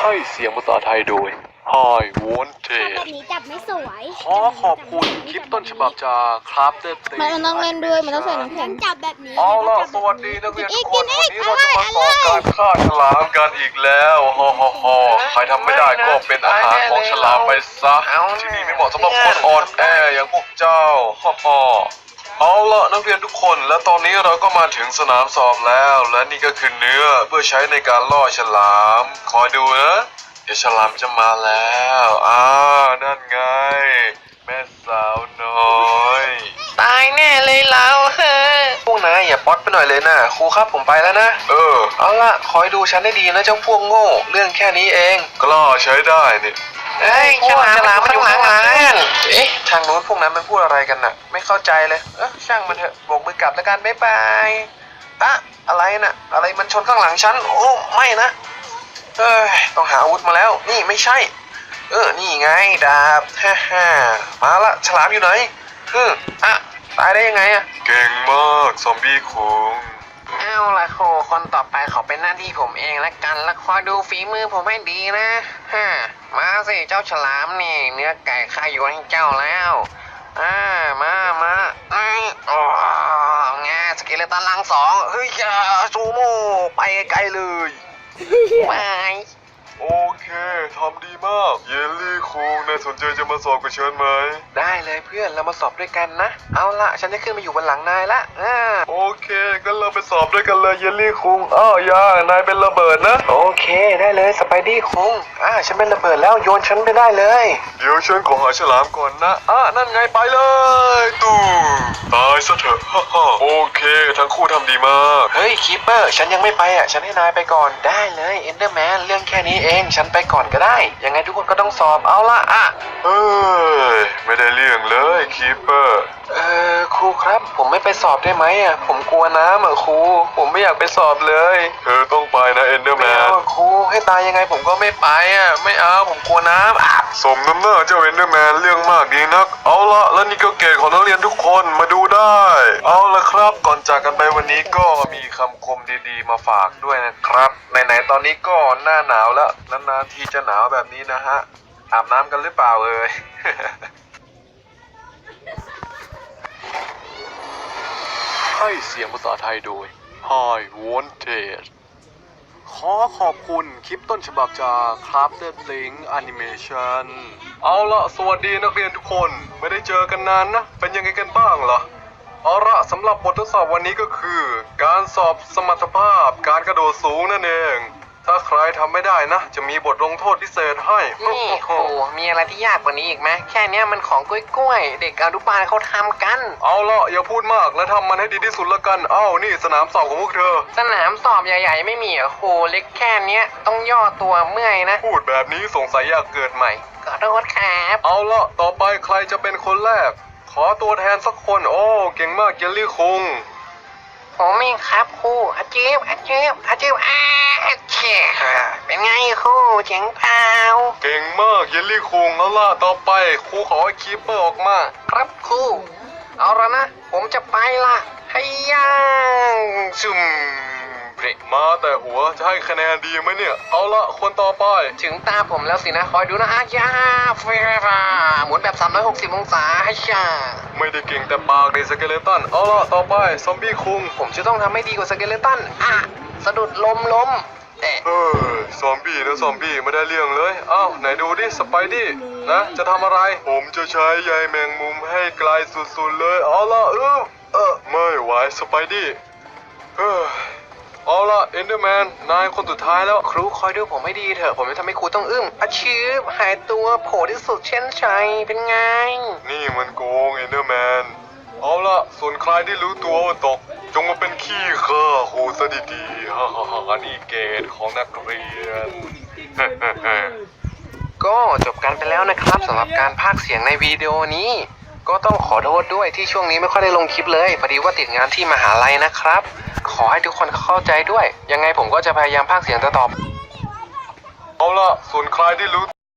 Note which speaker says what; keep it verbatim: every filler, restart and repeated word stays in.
Speaker 1: ให้เสียงภาษาไทยโดย Hi
Speaker 2: แบบ
Speaker 1: Wanted
Speaker 2: นี้จับไม่สวย
Speaker 1: ขอขอบคุณคลิปต้นฉบับจากครับเดต
Speaker 3: มันต้องเล่นด้วยมันต้องใส่น้ำแข็
Speaker 2: ฉั
Speaker 3: ง
Speaker 2: นจับแบบนี้
Speaker 1: เอาล่ะ
Speaker 2: จับ
Speaker 1: ส
Speaker 2: แบบ
Speaker 1: วัสดีนักเรียนทุกคน
Speaker 2: กิ
Speaker 1: วัน
Speaker 2: น
Speaker 1: นี้
Speaker 2: อี
Speaker 1: เรา
Speaker 2: ก
Speaker 1: จะมาสอนการฆ่าฉลามกันอีกแล้วฮ่าฮ่าฮ่าใครทำไม่ได้ก็เป็นอาหารของฉลามไปซะที่นี่ไม่เหมาะสำหรับคนอ่อนแออย่างพวกเจ้าฮ่าฮ่าเอาล่ะนักเรียนทุกคนและตอนนี้เราก็มาถึงสนามสอบแล้วและนี่ก็คือเนื้อเพื่อใช้ในการล่อฉลามคอยดูนะเดี๋ยวฉลามจะมาแล้วอ้าวนั่นไงแม่สาวน้อย
Speaker 4: ตายแน่เลยเราเฮ้ยพวกนายอย่าป๊อตไปหน่อยเลยนะครูครับผมไปแล้วนะ
Speaker 1: เออ
Speaker 4: เอาล่ะคอยดูฉันให้ดีนะเจ้าพวกโง่เรื่องแค่นี้เอง
Speaker 1: กล้าใช้ได้นี่
Speaker 4: เอ้ยฉลามฉลามมันอยู่ข้างหลังเอ๊ะทางนู้นพวกนั้นมันพูดอะไรกันน่ะไม่เข้าใจเลยเออช่างมันเถอะโบกมือกลับแล้วกันบ๊ายบายอะอะไรน่ะอะไรมันชนข้างหลังฉันโอ้ไม่นะเอ้ยต้องหาอาวุธมาแล้วนี่ไม่ใช่เออนี่ไงดาบฮ่าฮ่ามาละฉลามอยู่ไหนฮึอ่ะตายได้ยังไงอะ
Speaker 1: เก่งมากซอมบี้คุง
Speaker 4: เอาละโคคนต่อไปขอเป็นหน้าที่ผมเองละกันและคอยดูฝีมือผมให้ดีนะฮะมาสิเจ้าฉลามนี่เนื้อไก่ข้าอยู่ให้เจ้าแล้วอ่ามามาอืมอ๋องาสเกเลตันลังสองเฮ้ยอย่าซูโม่ไปไกลเลยไป
Speaker 1: โอเคทำดีมากเยลลี่คุงนายสนใจจะมาสอบกับฉันไหม
Speaker 4: ได้เลยเพื่อนเรามาสอบด้วยกันนะเอาละฉันจะขึ้นมาอยู่บนหลังนายละอ่า
Speaker 1: โอเคงั้นเราไปสอบด้วยกันเลยเยลลี่คุงอ้าวยานายเป็นระเบิดนะ
Speaker 4: โอเคได้เลยสไปดี้คุงอ่าฉันเป็นระเบิดแล้วโยนฉันไปได้เลย
Speaker 1: เดี๋ยวฉันขอหาฉลามก่อนนะอ่ะนั่นไงไปเลยตูตายซะเถอะฮ่าฮ่าโอเคทั้งคู่ทำดีมาก
Speaker 4: เฮ้ยคีปเปอร์ฉันยังไม่ไปอ่ะฉันให้นายไปก่อนได้เลยเอนเดอร์แมนเรื่องแค่นี้เองฉันไปก่อนก็ได้ยังไงทุกคนก็ต้องสอบเอาละอ่ะ
Speaker 1: เฮ้ยไม่ได้เรื่องเลยคีเปอร์
Speaker 4: เออครูครับผมไม่ไปสอบได้ไหมอ่ะผมกลัวน้ำอ่ะครูผมไม่อยากไปสอบเลย
Speaker 1: เธอต้องไปนะเอนเดอร์แม
Speaker 4: ไม่เอา
Speaker 1: น
Speaker 4: อะครูให้ตายยังไงผมก็ไม่ไปอ่ะไม่เอาผมกลัวน้ำอ่ะ
Speaker 1: สมน้ำหน้าเจ้าเอนเดอร์แมนเรื่องมากดีนักเอาละแล้วนี่ก็เกรดของนักเรียนทุกคนมาดูได้ เอาละครับก่อนจากกันไปวันนี้ก็มีคำคมดีๆมาฝากด้วยนะครับไหนๆตอนนี้ก็หน้าหนาวแล้วนานๆทีจะหนาวแบบนี้นะฮะอาบน้ำกันหรือเปล่าเอ่ย ให้เสียงภาษาไทยโดย Hi Wanted ขอขอบคุณคลิปต้นฉบับจาก Crafted Link Animation เอาละสวัสดีนักเรียนทุกคนไม่ได้เจอกันนานนะ เป็นยังไงกันบ้างล่ะ เอาละสำหรับบททดสอบวันนี้ก็คือ การสอบสมรรถภาพการกระโดดสูงนั่นเอง ถ้าใครทำไม่ได้นะ จะมีบทลงโทษพิเศษให้
Speaker 4: นี่ครูมีอะไรที่ยากกว่านี้อีกไหมแค่เนี้ยมันของกล้วยๆเด็กอนุบาลเขาทำกัน
Speaker 1: เอาละอย่าพูดมากและทำมันให้ดีที่สุดละกัน เอ้านี่สนามสอบของพวกเธอ
Speaker 4: สนามสอบใหญ่ๆไม่มีเหรอ่ะครูเล็กแค่เนี้ยต้องย่อตัวเมื่อยนะ
Speaker 1: พูดแบบนี้สงสัยอยากเกิดใหม่
Speaker 4: ขอโทษครับ
Speaker 1: เอาละต่อไปใครจะเป็นคนแรก ขอตัวแทนสักคน โอ้เก่งมากเยลลี่คุง
Speaker 4: ผมเองครับครูอาจีบอาจีบอาจีบอาเชี่ยเป็นไงครูเจ๋งเปล่า
Speaker 1: เก่งมากเยลลี่คุงเอาล่ะต่อไปครูขอให้คีปเปอร์ออกมา
Speaker 4: ครับครูเอาละนะผมจะไปละให้ย่างซุ่มเบรก
Speaker 1: มาแต่หัวจะให้คะแนนดีไหมเนี่ย เอาละคนต่อไป
Speaker 4: ถึงตาผมแล้วสินะคอยดูนะอาย่าเฟราหมุนแบบสามร้อยหกสิบองศาให้ช่า
Speaker 1: ไม่ได้เก่งแต่ปากในสเกเลตันเอาละต่อไปซอมบี้คุง
Speaker 4: ผมจะต้องทำให้ดีกว่าสเกเลตันอ่ะสะดุดลมล้มเอ๊ะ
Speaker 1: เออซอมบี้นะซอมบี้ไม่ได้เรื่องเลยเอ้าไหนดูดิสไปดี้นะจะทำอะไร ผมจะใช้ใยแมงมุมให้ไกลสุดๆเลยเอาละเออเออไม่ไหวสไปดี้เออเอาละเอนเดอร์แมนนายคนสุดท้ายแล้ว
Speaker 4: ครูคอยดูผมให้ดีเถอะผมจะทำให้ครูต้องอึ้งอาชีพหายตัวโผล่ที่สุดเช่นชัยเป็นไง
Speaker 1: นี่มันโกงเอนเดอร์แมนเอาละส่วนใครที่รู้ตัวว่าตก จงมาเป็นขี้ข้าครูซะดีๆฮ่าฮ่าฮ่านี่เกรดของนักเรียน
Speaker 4: ก็จบกันไปแล้วนะครับสำหรับการพากย์เสียงในวิดีโอนี้ ก็ต้องขอโทษด้วยที่ช่วงนี้ไม่ค่อยได้ลงคลิปเลยพอดีว่าติดงานที่มหาลัยนะครับ ขอให้ทุกคนเข้าใจด้วย ยังไงผมก็จะพยายามพากย์เสียงต่อ
Speaker 1: เอาละส่วนใครที่รู้